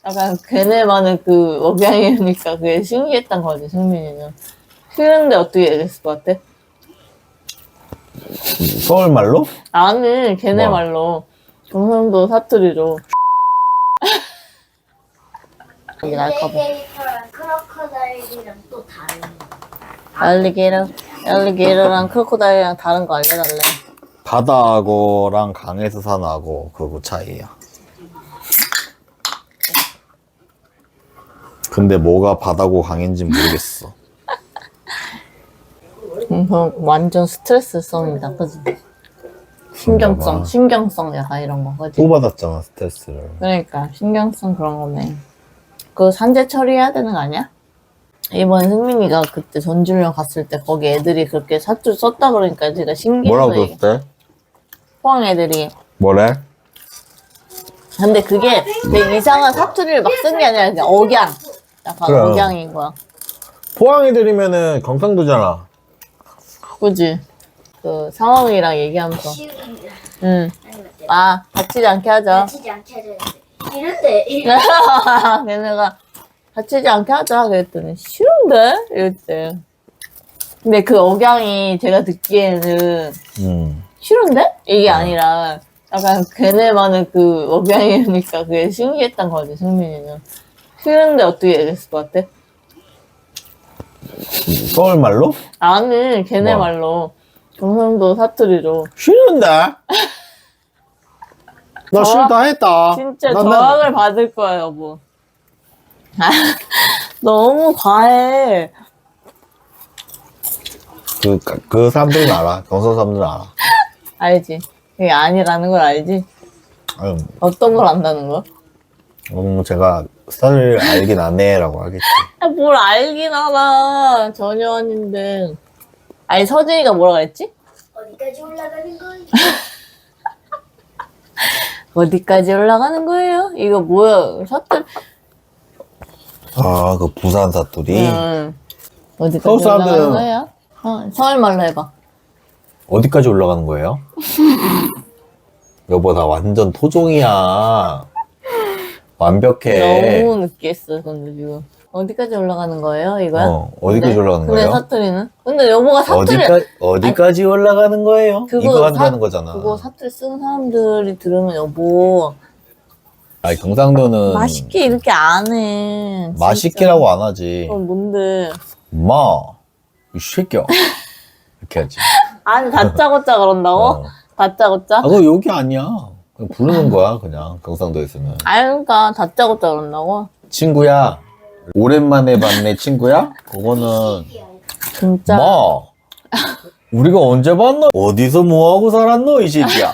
약간 걔네만의 그 억양이니까 그게 신기했던 거지, 승민이는. 싫은데 어떻게 얘기했을 것 같아? 서울말로? 아니, 걔네 뭐? 말로. 경상도 사투리로. 이게 날까봐. 알리게이터랑 크로커다일이랑 또 다른 거. 알리게이터랑 크로코다일이랑 다른 거 알려달래. 바다악어랑 강에서 사는 악어 그거 차이야. 근데 뭐가 바다고 강인지 모르겠어. 완전 스트레스성이다, 그지? 신경성 약간 이런 거, 그지? 또 받았잖아 스트레스를. 그러니까, 신경성 그런 거네. 그거 산재 처리해야 되는 거 아니야? 이번 승민이가 그때 전주령 갔을 때 거기 애들이 그렇게 사투리 썼다 그러니까 제가 신기해서 뭐라고 썼대? 포항 애들이. 뭐래? 근데 그게 되게 이상한 사투리를 막 쓴 게 아니라 그냥 억양. 약간 그래. 억양인 거야. 포항 애들이면은 경상도잖아. 그지? 그 상황이랑 얘기하면서. 쉬운데 응. 아니면 때 아, 다치지 않게 하자. 다치지 않게 해야 되는데 이럴 때 걔네가 다치지 않게 하자 그랬더니 싫은데? 이랬대. 근데 그 억양이 제가 듣기에는 싫은데? 이게 아니라 약간 걔네만의 그 억양이니까 그게 신기했던 거지, 승민이는. 싫은데 어떻게 얘기했을 것 같아? 서울말로? 아니, 걔네 뭐? 말로. 경상도 사투리로. 싫은데? 나 싫다 했다. 진짜 난- 저항을 받을 거야, 여보. 아, 너무 과해. 그 사람들은 알아. 경상 사람들은 알아. 알지? 그게 아니라는 걸 알지? 아유, 어떤 걸 안다는 거야? 제가 스타를 알긴 안 해라고 하겠지. 아, 뭘 알긴 알아. 전혀 아닌데. 아니, 서진이가 뭐라 그랬지? 어디까지 올라가는 거야? 어디까지 올라가는 거예요? 이거 뭐야? 사투리. 아, 그 부산 사투리? 어디까지 서울 사람들은- 올라가는 거예요? 서울 말로 해봐. 어디까지 올라가는 거예요? 여보, 나 완전 토종이야. 완벽해. 너무 느끼했어, 근데 지금. 어디까지 올라가는 거예요, 이거야? 어디까지 근데- 올라가는 근데 거예요? 사투리는? 근데 여보가 사투리. 어디까지 올라가는 거예요? 이거 한다는 거잖아. 그거 사투리 쓰는 사람들이 들으면 여보 아니, 경상도는 맛있게 이렇게 안 해. 진짜. 맛있게라고 안 하지. 그럼 뭔데? 엄마, 이 새끼야. 이렇게 하지. 아니 다짜고짜 그런다고? 어. 다짜고짜? 아, 그거 여기 아니야. 그냥 부르는 거야, 그냥. 경상도에서는. 아니 그러니까 다짜고짜 그런다고? 친구야. 오랜만에 봤네, 친구야? 그거는, 진짜. 뭐? 우리가 언제 봤노? 어디서 뭐하고 살았노, 이 새끼야?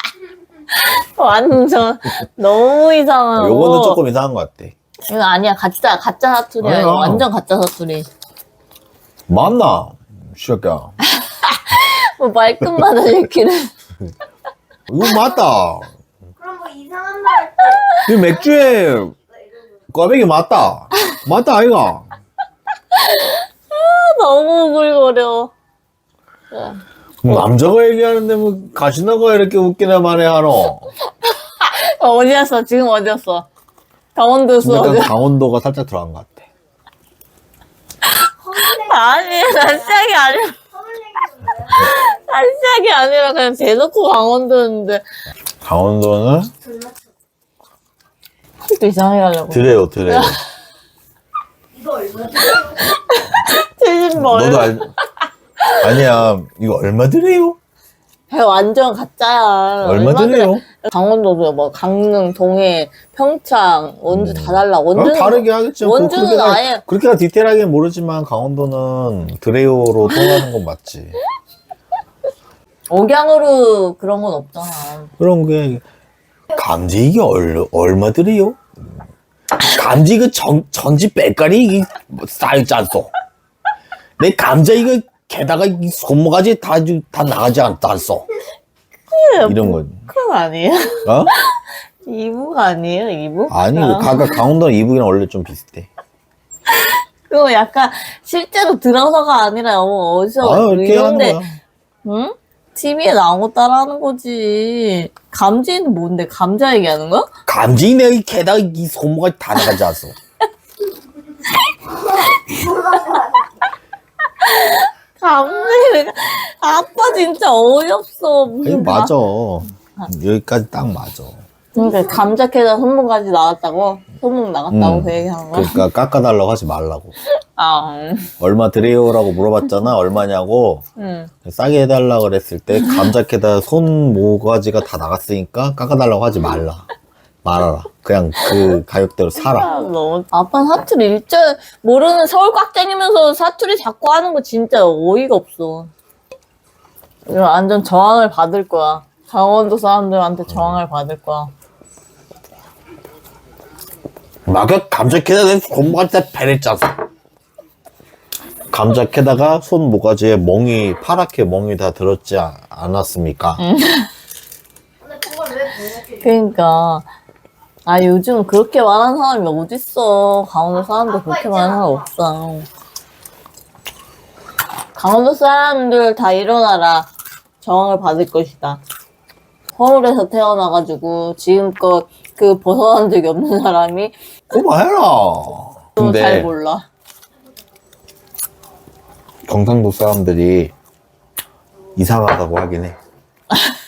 완전 너무 이상하고. 요거는 조금 이상한 것 같아. 이거 아니야 가짜 사투리야. 아니야. 이거 완전 가짜 사투리. 맞나? 이 새끼야. 뭐 말끝마다 이렇게는. 이거 맞다. 그럼 뭐 이상한 말 할 때 이 맥주에 꽈배기 맞다. 맞다, 아이가? 너무 오글거려. 남자가 얘기하는데 뭐 가시나가 이렇게 웃기나 마네 하노. 어디였어? 지금 어디였어? 강원도에서 약간 어디? 강원도가 살짝 들어간 것 같아. 아니, 난 시작이 아니라. 난 시작이 아니라 그냥 대놓고 강원도였는데. 강원도는 또 이상하게 하려고. 드래요. 이거 얼마 최신 뭘. 너도 아니야. 이거 얼마 드래요? 완전 가짜야. 얼마 드래요? 강원도도 뭐 강릉, 동해, 평창, 원주 다 달라. 원주는 다르게 하겠죠. 원주는 아예 그렇게 디테일하게 모르지만 강원도는 드레요로 통하는 건 맞지. 억양으로 그런 건 없잖아. 그런 게 감지 이게 얼마 드래요? 감지 그 전지 빼까리 이게 쌓였지 않소? 내 감자 이거 게다가 이 손모가지 다 나가지 않소? 이런 거. 그건 아니에요? 어? 이북 아니에요? 이북? 아니, 강원도랑 이북이랑 원래 좀 비슷해. 그거 약간 실제로 들어서가 아니라 어디서 이렇게 하는 이런데 거야. 응? TV에 나온 거 따라하는 거지. 감지는 뭔데? 감자 얘기하는 거야? 감지 내 게다가 이 손모가 다 나가지 않았어. 감지. 아빠 진짜 어이없어. 아니, 무슨 맞아. 여기까지 딱 맞아. 그러니까 감자 캐다 손목까지 나갔다고? 손목 나갔다고 그 얘기하는 거야? 그러니까 깎아달라고 하지 말라고. 아, 얼마 드려요라고 물어봤잖아. 얼마냐고. 싸게 해달라 그랬을 때 감자 캐다 손 모가지가 다 나갔으니까 깎아달라고 하지 말아라. 그냥 그 가격대로 사라. 너무 아빠는 사투리 일절 모르는 서울 꽉쟁이면서 사투리 자꾸 하는 거 진짜 어이가 없어. 이거 완전 저항을 받을 거야. 강원도 사람들한테 저항을 받을 거야. 막 감자 캐다 내 손모가지 다 베랬잖아. 감자 캐다가 손 모가지에 멍이 파랗게 멍이 다 들었지 않았습니까? 근데 그걸 왜 번역해? 그러니까 아 요즘 그렇게 말하는 사람이 어딨어. 강원도 사람들 그렇게 말하는 사람 없어. 강원도 사람들 다 일어나라. 저항을 받을 것이다. 서울에서 태어나가지고 지금껏 그 벗어난 적이 없는 사람이 그만해라. 또 잘 몰라. 경상도 사람들이 이상하다고 하긴 해.